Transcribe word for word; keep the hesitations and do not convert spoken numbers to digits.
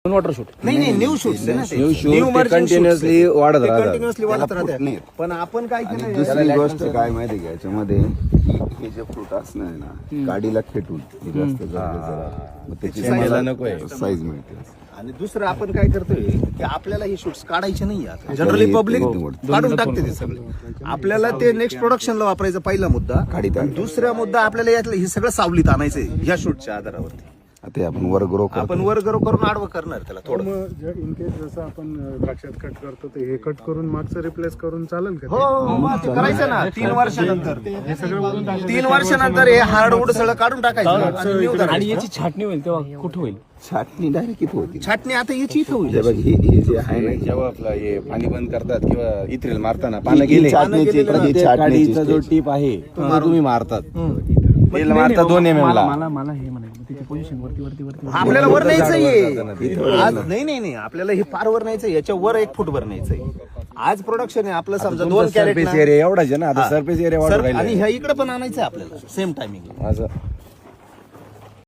Water shoot नाही नाही new shoots आहे ना ते. New New shoot emerging continuously shoots वाढत ते राहतात. continuously वाढत त्याला राहतात. फूट नाही. पण आपण काय आणि केलं दुसरी गोष्ट काय माहिती का याच्यामध्ये हे जे फ्रूट असणार आहे ना गाडीला खेटून हे जास्त गरजेचं राहतं. मग त्याची मला नकोय. साईज मिळते. आणि दुसरं आपण काय करतोय की आपल्याला हे शूट्स काढायचे नाही आता जनरली पब्लिक काढून टाकते ते सगळे. आपल्याला ते नेक्स्ट प्रोडक्शनला वापरायचा पहिला मुद्दा. काढीत आणि दुसरा मुद्दा आपल्याला यातलं हे सगळं सावलीत आणायचंय ह्या शूटच्या आधारावरती. आता आपण वर ग्रो आपण वर गरो करून आडवं करणार त्याला थोडं. इन केस जसं आपण द्राक्षात कट करतो ते हे कट करून मागचं रिप्लेस करून चालेल का हो हो, मग ते करायचं ना तीन वर्षानंतर तीन वर्षानंतर हे हार्डवूड सगळं काढून टाकायचं आणि new आणि करायचं. याची छाटणी होईल तेव्हा कुठं होईल? छाटणी डायरेक्ट इथं होती. छाटणी आता याची इथं होईल. हे बघ हे हे जे आहे ना जेव्हा आपलं हे पाणी बंद करतात किंवा इथ्रेल मारताना पानं गेले छाटणीची- ही प्रत्येक छाटणीची काडीचा जो stage. टीप आहे तो तुम्ही मारतात तेल नाही, मारतात नाही, दोन एम एम मला ला मला मला हे म्हणायचं त्याची पोझिशन वरती वरती वरती वरती. आपल्याला वर न्यायचंय इथं आज नाही नाही नाही आपल्याला हे पार वर न्यायचंय याच्या वर एक फूट वर न्यायचंय. आज प्रोडक्शन आहे आपलं समजा दोन कॅरेट सरफेस एरिया एवढाच आहे ना आता सरफेस एरिया वाढत आणि राहिला ह्या इकडे पण आणायचंय आपल्याला सेम टायमिंग. असं